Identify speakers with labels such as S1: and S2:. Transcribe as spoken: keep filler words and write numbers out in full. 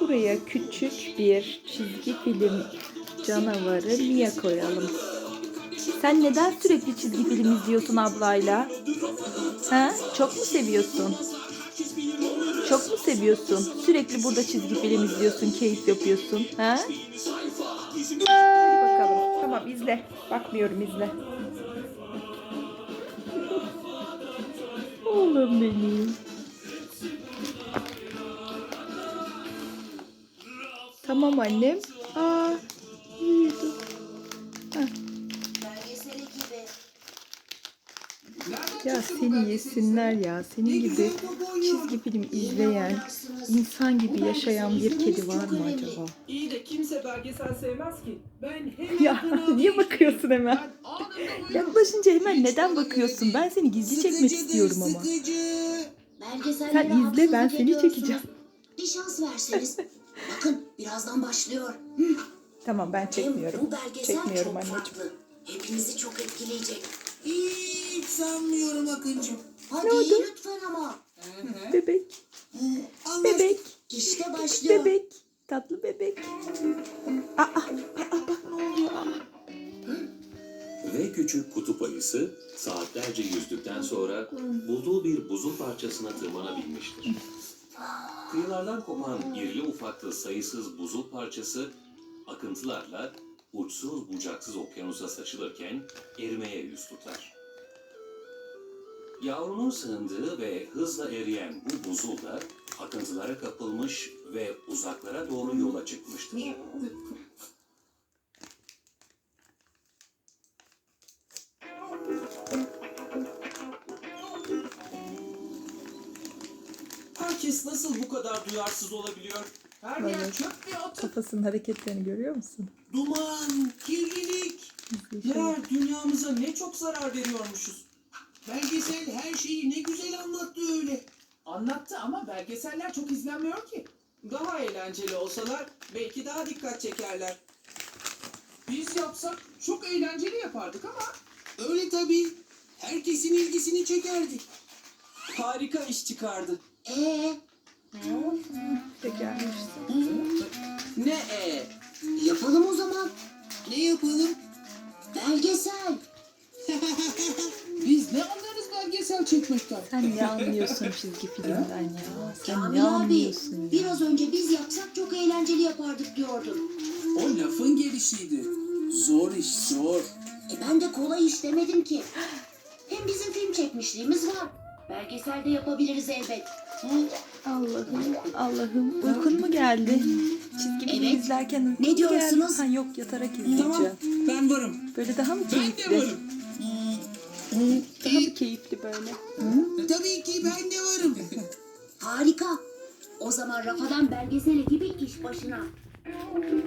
S1: Buraya küçük bir çizgi film canavarı Mia koyalım. Sen neden sürekli çizgi film izliyorsun ablayla? Ha? Çok mu seviyorsun? Çok mu seviyorsun? Sürekli burada çizgi film izliyorsun, keyif yapıyorsun. Ha? Hadi bakalım. Tamam izle. Bakmıyorum izle. Oğlum benim. Tamam annem. Aa, uyudu. Heh. Ya seni yesinler ya. Senin gibi çizgi film izleyen, insan gibi yaşayan bir kedi var mı acaba?
S2: İyi de kimse belgesel sevmez ki. Ben hemen
S1: Ya niye bakıyorsun hemen? Yaklaşınca hemen neden bakıyorsun? Ben seni gizli çekmek istiyorum ama. Sen izle, ben seni çekeceğim.
S3: Bir şans verseniz. Bakın birazdan başlıyor. Hı.
S1: Tamam ben çekmiyorum.
S3: Bu belgesel
S1: Çekmiyorum
S3: çok
S1: anneciğim.
S3: farklı. Hepinizi çok etkileyecek.
S4: Hiç sanmıyorum Akıncığım.
S3: Hadi
S1: Ne oldu?
S3: lütfen ama.
S1: Bebek,
S4: Anlaştık.
S1: bebek,
S3: İşte başlıyor.
S1: bebek. Tatlı bebek. Aa, aa, aa, bak ne oluyor? Aa.
S5: Ve küçük kutup ayısı saatlerce yüzdükten sonra bulduğu bir buzul parçasına tırmanabilmiştir. Kıyılardan kopan irili ufaklı sayısız buzul parçası akıntılarla uçsuz bucaksız okyanusa saçılırken erimeye yüz tutar. Yavrunun sığındığı ve hızla eriyen bu buzul da akıntılara kapılmış ve uzaklara doğru yola çıkmıştır.
S2: Herkes nasıl bu kadar duyarsız olabiliyor? Her yer
S1: Evet.
S2: çöp ve atık.
S1: Kafasının hareketlerini görüyor musun?
S4: Duman, kirlilik.
S2: Meğer dünyamıza ne çok zarar veriyormuşuz.
S4: Belgesel her şeyi ne güzel anlattı öyle.
S2: Anlattı ama belgeseller çok izlenmiyor ki. Daha eğlenceli olsalar belki daha dikkat çekerler. Biz yapsak çok eğlenceli yapardık ama
S4: Öyle tabii. Herkesin ilgisini çekerdik.
S2: harika iş çıkardı.
S3: Ee,
S1: De gelmişti.
S2: Ne e?
S3: yapalım o zaman.
S4: Ne yapalım?
S3: Belgesel.
S4: Biz ne anlarız belgesel çekmekten?
S1: Sen ne anlıyorsun çizgi filmden ya? Sen
S3: Kamil
S1: ne
S3: abi
S1: anlıyorsun ya?
S3: biraz önce biz yapsak çok eğlenceli yapardık diyordun.
S4: O lafın gelişiydi. Zor iş zor.
S3: E ben de kolay iş demedim ki. Hem bizim film çekmişliğimiz var. Belgeselde yapabiliriz elbet. Hı?
S1: Allah'ım, Allah'ım. Uykun mu geldi? Çizgi film
S3: Evet.
S1: izlerken uykun
S3: Ne
S1: mu geldi?
S3: diyorsunuz?
S1: Ha yok yatarak izleyeceğim.
S4: Tamam ben varım.
S1: Böyle daha mı
S4: Ben de
S1: keyifli?
S4: varım.
S1: Daha mı keyifli böyle?
S4: Tabii ki ben de varım.
S3: Harika. O zaman Rafadan belgesel ekibi iş başına.